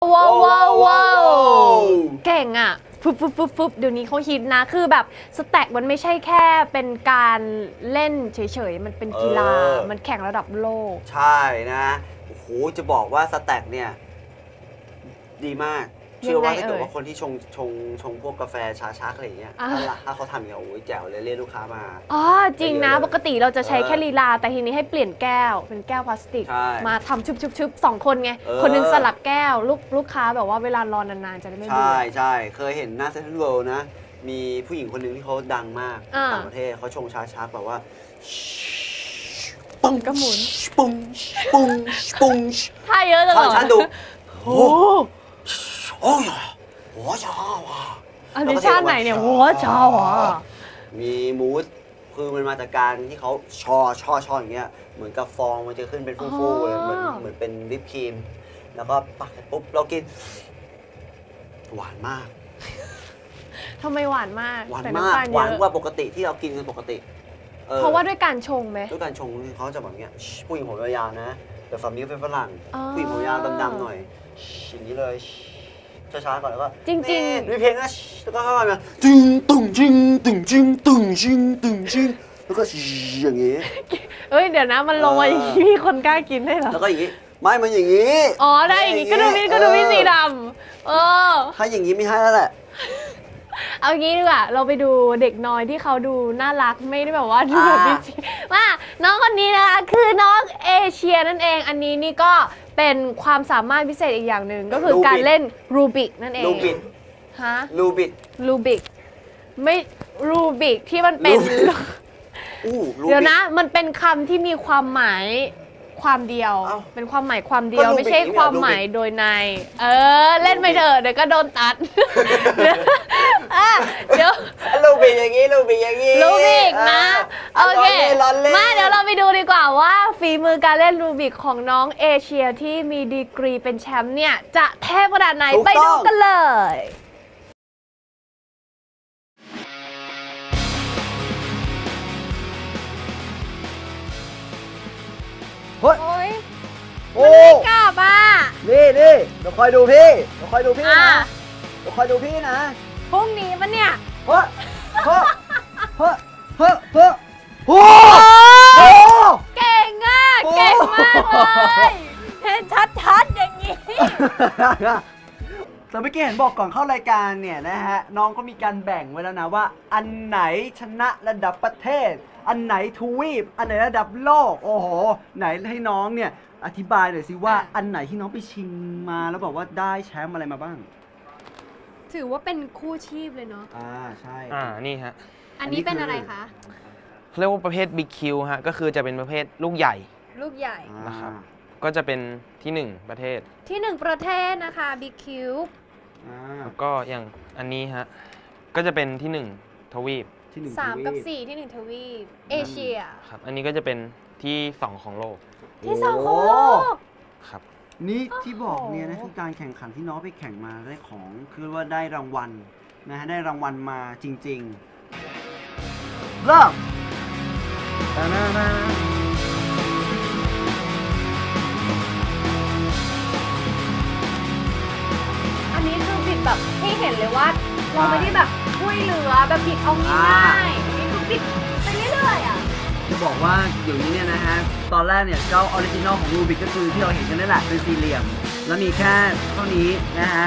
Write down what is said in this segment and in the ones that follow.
ว้าวว้าวว้าวเก่งอ่ะฟึบเดี๋ยวนี้เขาฮิตนะคือแบบสแต็กมันไม่ใช่แค่เป็นการเล่นเฉยๆมันเป็นกีฬามันแข่งระดับโลกใช่นะโอ้โหจะบอกว่าสแต็กเนี่ยดีมากเชื่อว่าถ้าเกิดว่าคนที่ชงพวกกาแฟชาชักอะไรอย่างเงี้ยถ้าเขาทำอย่างเงี้ยโอ้ยแจ๋วเลยเรียกลูกค้ามาอ๋อจริงนะปกติเราจะใช้แค่ลีลาแต่ทีนี้ให้เปลี่ยนแก้วเป็นแก้วพลาสติกมาทำชุบ2 คนไงคนนึงสลับแก้วลูกค้าแบบว่าเวลารอนานๆจะได้ไม่เบื่อใช่เคยเห็นหน้าเซ็นทรัลเวิลด์นะมีผู้หญิงคนหนึ่งที่เขาดังมากต่างประเทศเขาชงชาชักแบบว่าปุ้งก็หมุนปุ้งปุ้งปุ้งท่าเยอะจังเลยฉันดูโอ้โอ้ยหัวชาว่ะอันนี้ชาติไหนเนี่ยหัวชาว่ะมีมูสคือมันมาจากการที่เขาชออย่างเงี้ยเหมือนกับฟองมันจะขึ้นเป็นฟูๆเลยเหมือนเป็นวิปครีมแล้วก็ปักปุ๊บเรากินหวานมากทำไมหวานมากหวานมากหวานกว่าปกติที่เรากินกันปกติเพราะว่าด้วยการชงไหมด้วยการชงเขาจะแบบเนี้ยผู้หญิงผมยาวๆนะแต่ฝั่งนี้เป็นฝรั่งผู้หญิงผมยาวดำๆหน่อยอย่างนี้เลยช้าๆก่อนแล้วก็จริงๆมีเพลงนะแล้วก็เข้ามาจึงตึงจิงตึงจิงตึงจิงตึงจิงแล้วก็อย่างนี้เอ้ยเดี๋ยวนะมันลงมาอย่างนี้มีคนกล้ากินได้เหรอแล้วก็อย่างนี้ไม่มันอย่างนี้อ๋อได้อย่างนี้ก็ดูพี่สีดำถ้าอย่างนี้ไม่ให้แล้วแหละเอางี้ดีกว่าเราไปดูเด็กน้อยที่เขาดูน่ารักไม่ได้แบบว่าดูแบบพี่สีว่าน้องคนนี้นะคะคือน้องเอเชียนั่นเองอันนี้นี่ก็เป็นความสามารถพิเศษอีกอย่างหนึ่งก็คือการเล่นรูบิกนั่นเองรูบิกฮะรูบิกไม่รูบิกที่มันเป็นเดี๋ยวนะมันเป็นคำที่มีความหมายความเดียวเป็นความหมายความเดียวไม่ใช่ความหมายโดยในเล่นไปเถอะเดี๋ยวก็โดนตัดเดี๋ยวรูบิกอย่างนี้รูบิกนะโอเคมาเดี๋ยวเราไปดูดีกว่าว่าฝีมือการเล่นรูบิกของน้องเอเชียที่มีดีกรีเป็นแชมป์เนี่ยจะเทพขนาดไหนไปดูกันเลยโอ้ยไม่กลับอ่ะนี่เดี๋ยวคอยดูพี่นะเดี๋ยวคอยดูพี่นะพรุ่งนี้ปะเนี่ยโอ้เก่งอ่ะเก่งมากเลยเห็นชัดอย่างนี้แต่เมื่อกี้เห็นบอกก่อนเข้ารายการเนี่ยนะฮะน้องก็มีการแบ่งไว้แล้วนะว่าอันไหนชนะระดับประเทศอันไหนทวีปอันไหนระดับโลกโอ้โหไหนให้น้องเนี่ยอธิบายหน่อยสิว่าอันไหนที่น้องไปชิงมาแล้วบอกว่าได้แชมป์อะไรมาบ้างถือว่าเป็นคู่ชีพเลยเนาะใช่นี่ฮะอันนี้เป็นอะไรคะเรียกว่าประเภทบิ๊กคิวฮะก็คือจะเป็นประเภทลูกใหญ่นะครับก็จะเป็นที่1ประเทศที่1ประเทศนะคะบิ๊กคิวแล้วก็อย่างอันนี้ฮะก็จะเป็นที่1ทวีป 3 กับ 4ที่1ทวีปเอเชียครับอันนี้ก็จะเป็นที่2ของโลกที่2ของโลกครับนี่ที่บอกเนี่ยนะคือการแข่งขันที่น้องไปแข่งมาได้ของคือว่าได้รางวัลนะฮะได้รางวัลมาจริงๆเริ่มอันนี้คือบิดแบบให้เห็นเลยว่าเราไม่ได้แบบช่วยเหลือแบบบิดเอาง่ายๆอันนี้คือบิดไปเรื่อยๆอ่ะจะบอกว่าอยู่นี้เนี่ยนะฮะตอนแรกเนี่ยเจ้าออริจินอลของรูบิกก็คือที่เราเห็นกันนั่นแหละเป็นสี่เหลี่ยมแล้วมีแค่เท่านี้นะฮะ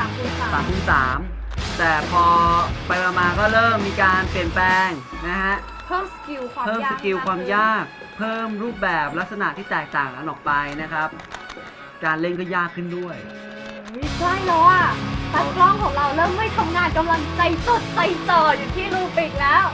3x3แต่พอไปมาก็เริ่มมีการเปลี่ยนแปลงนะฮะเพิ่มสกิลความยากเพิ่มรูปแบบลักษณะที่แตกต่างกันออกไปนะครับการเล่นก็ยากขึ้นด้วยใช่แล้วอ่ะตากล้องของเราเริ่มไม่ทำงานกำลังใจสดใจจ่ออยู่ที่รูบิกแล้ว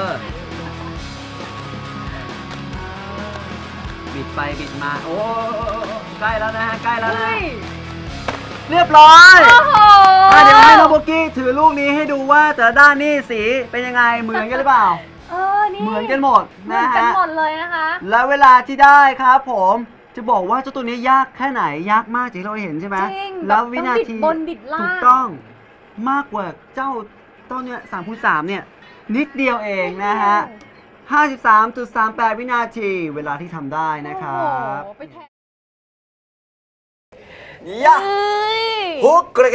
บิดไปบิดมาโอ้ใกล้แล้วนะฮะใกล้แล้วนะเรียบร้อยเดี๋ยวให้น้องโบกี้ถือลูกนี้ให้ดูว่าแต่ละด้านนี่สีเป็นยังไงเหมือนกันหรือเปล่านี่เหมือนกันหมดนะฮะเหมือนกันหมดเลยนะคะแล้วเวลาที่ได้ครับผมจะบอกว่าเจ้าตัวนี้ยากแค่ไหนยากมากที่เราเห็นใช่ไหมแล้ววินาทีถูกต้องมากกว่าเจ้าต้นเนี่ย3x3เนี่ยนิดเดียวเองนะฮะ53.38 วินาทีเวลาที่ทำได้นะครับฮุกเห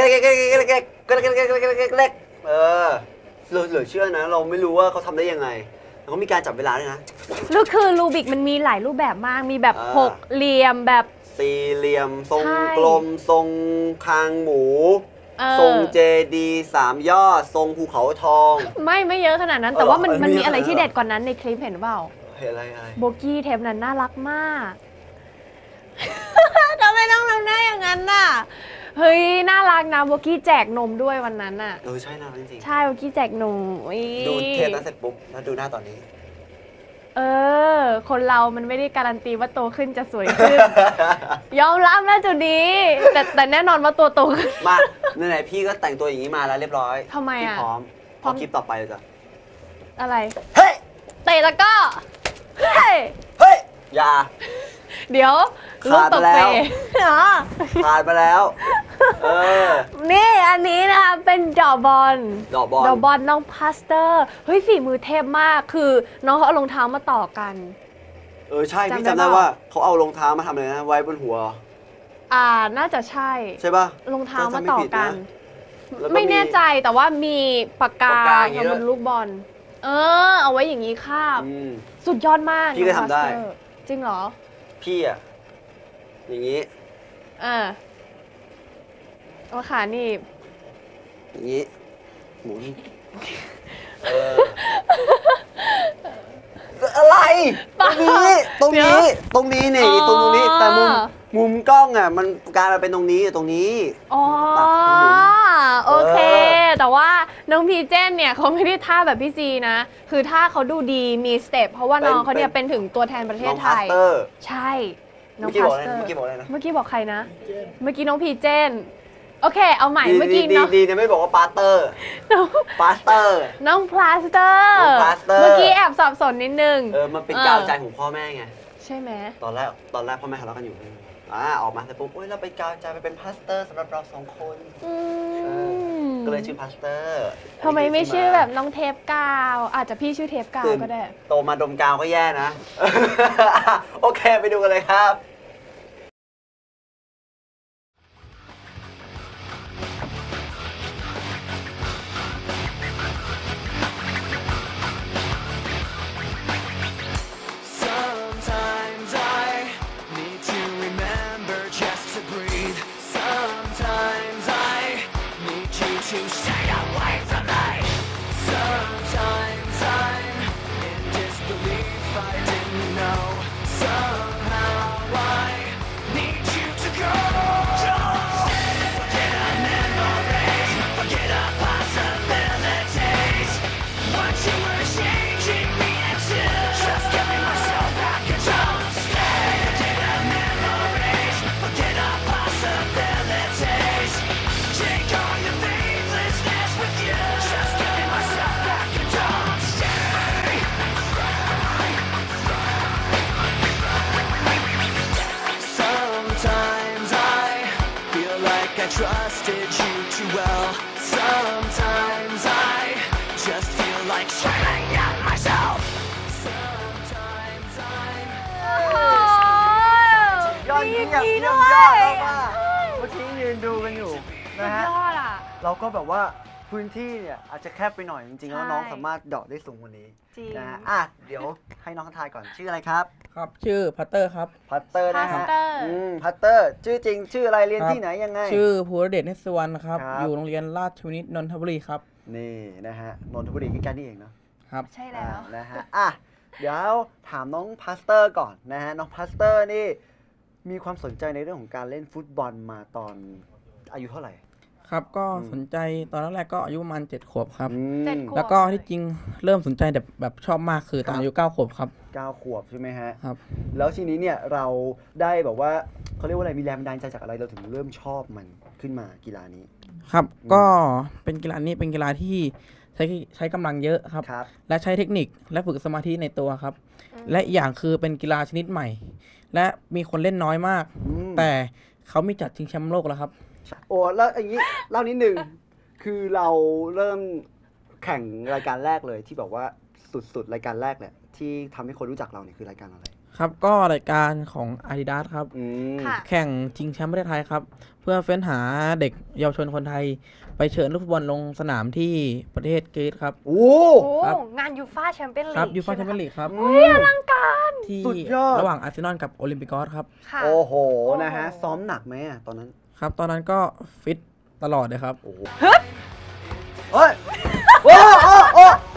ลือเชื่อนะเราไม่รู้ว่าเขาทำได้ยังไงแล้วก็มีการจับเวลาด้วยนะคือรูบิกมันมีหลายรูปแบบมากมีแบบ6เหลี่ยมแบบสี่เหลี่ยมทรงกลมทรงคางหมูทรงเจดี3ยอดทรงภูเขาทองไม่เยอะขนาดนั้นแต่ว่ามันมีอะไรที่เด็ดกว่านั้นในคลิปเห็นเปล่าเห็นอะไรโบกี้เทปนั้นน่ารักมากทำไมต้องทำหน้าอย่างนั้นน่ะเฮ้ยน่ารักนะโบกี้แจกนมด้วยวันนั้นน่ะใช่น่ารักจริงใช่โบกี้แจกนมดูเทปนั้นเสร็จปุ๊บแล้วดูหน้าตอนนี้คนเรามันไม่ได้การันตีว่าโตขึ้นจะสวยขึ้น ยอมรับนะจุดนี้แต่แน่นอนว่าตัวโตขึ้นมาไหนๆพี่ก็แต่งตัวอย่างนี้มาแล้วเรียบร้อยทำไมอ่ะพร้อมคลิปต่อไปเลยจ้ะอะไรเฮ้ยเตะแล้วก็เฮ้ยอย่าเดี๋ยวลูกตกเปขาดมาแล้วนี่อันนี้นะคะเป็นดอกบอลน้องพาสเตอร์เฮ้ยฝีมือเทพมากคือน้องเขาเอารองเท้ามาต่อกันใช่พี่จำได้ว่าเขาเอารองเท้ามาทำอะไรนะไว้บนหัวน่าจะใใช่ป่ะรองเท้ามาต่อกันไม่แน่ใจแต่ว่ามีปากกาทำบนลูกบอลเอาไว้อย่างนี้คาบสุดยอดมากพี่ก็ทำได้จริงเหรอพี่อย่างนี้ว่าขานี่อย่างนี้หมุนอะไรตรงนี้นี่ตรงนี้แต่มุมกล้องมันกลายมาเป็นตรงนี้โอเคแต่ว่าน้องพีเจนเนี่ยเขาไม่ได้ท่าแบบพี่ซีนะคือท่าเขาดูดีมีสเต็ปเพราะว่าน้องเขาเนี่ยเป็นถึงตัวแทนประเทศไทยใช่น้องพาสเตอร์เมื่อกี้บอกใครนะเมื่อกี้น้องพีเจนโอเคเอาใหม่เมื่อกี้น้องดีไม่บอกว่าปาสเตอร์น้องพาสเตอร์เมื่อกี้แอบสับสนนิดนึงมันเป็นกาวใจของพ่อแม่ไงใช่ไหมตอนแรกพ่อแม่ทะเลาะกันอยู่ออกมาเสร็จปุ๊บเราไปกาวใจไปเป็นพาสเตอร์สำหรับเรา2 คนก็เลยชื่อพาสเตอร์ทำไมไม่ชื่อแบบน้องเทปกาวอาจจะพี่ชื่อเทปกาวก็ได้โตมาดมกาวก็แย่นะโอเคไปดูกันเลยครับ trusted you too well. Sometimes I just feel like shutting out myself. Sometimes I'm ยอดเยี่ยมยอดมากเมื่อกี้ยืนดูกันอยู่นะฮะเราก็แบบว่าพื้นที่เนี่ยอาจจะแคบไปหน่อยจริงๆแล้วน้องสามารถเดาะได้สูงกว่านี้นะฮะเดี๋ยวให้น้องทายก่อนชื่ออะไรครับครับชื่อพัตเตอร์ครับพัตเตอร์นะฮะพัตเตอร์ชื่อจริงชื่ออะไรเรียนที่ไหนยังไงชื่อภูรเดชเนศวรรณครับอยู่โรงเรียนราชวินิตนนทบุรีครับนี่นะฮะนนทบุรีใกล้ๆนี่เองเนาะครับใช่แล้วนะฮะเดี๋ยวถามน้องพัตเตอร์ก่อนนะฮะน้องพัตเตอร์นี่มีความสนใจในเรื่องของการเล่นฟุตบอลมาตอนอายุเท่าไหร่ครับก็สนใจตอนแรกก็อายุประมาณ7 ขวบครับแล้วก็ที่จริงเริ่มสนใจแบบชอบมากคือตอนอายุ9 ขวบครับ 9 ขวบใช่ไหมฮะครับแล้วทีนี้เนี่ยเราได้แบบว่าเขาเรียกว่าอะไรมีแรงบันดาลใจจากอะไรเราถึงเริ่มชอบมันขึ้นมากีฬานี้ครับก็เป็นกีฬานี้เป็นกีฬาที่ใช้กำลังเยอะครับและใช้เทคนิคและฝึกสมาธิในตัวครับและอีกอย่างคือเป็นกีฬาชนิดใหม่และมีคนเล่นน้อยมากแต่เขามีจัดชิงแชมป์โลกแล้วครับโอ้แล้วอย่างนี้เล่านิดนึงคือเราเริ่มแข่งรายการแรกเลยที่บอกว่าสุดๆรายการแรกแหละที่ทำให้คนรู้จักเราเนี่ยคือรายการอะไรครับก็รายการของ Adidas ครับค่ะแข่งชิงแชมป์ประเทศไทยครับ เพื่อเฟ้นหาเด็กเยาวชนคนไทย ไปเชิญลูกฟุตบอลลงสนามที่ประเทศกรีซครับโอ้โอ้ครับงานยูฟ่าแชมเปี้ยนลีกครับยูฟ่าแชมเปี้ยนลีกครับอลังการที่สุดยอดระหว่างอาร์เซนอลกับโอลิมปิกอสครับค่ะโอ้โหนะฮะซ้อมหนักไหมอะตอนนั้นครับ ตอนนั้นก็ฟิตตลอดเลยครับโอ้โหเฮ้ยโอ้โอ้โอ้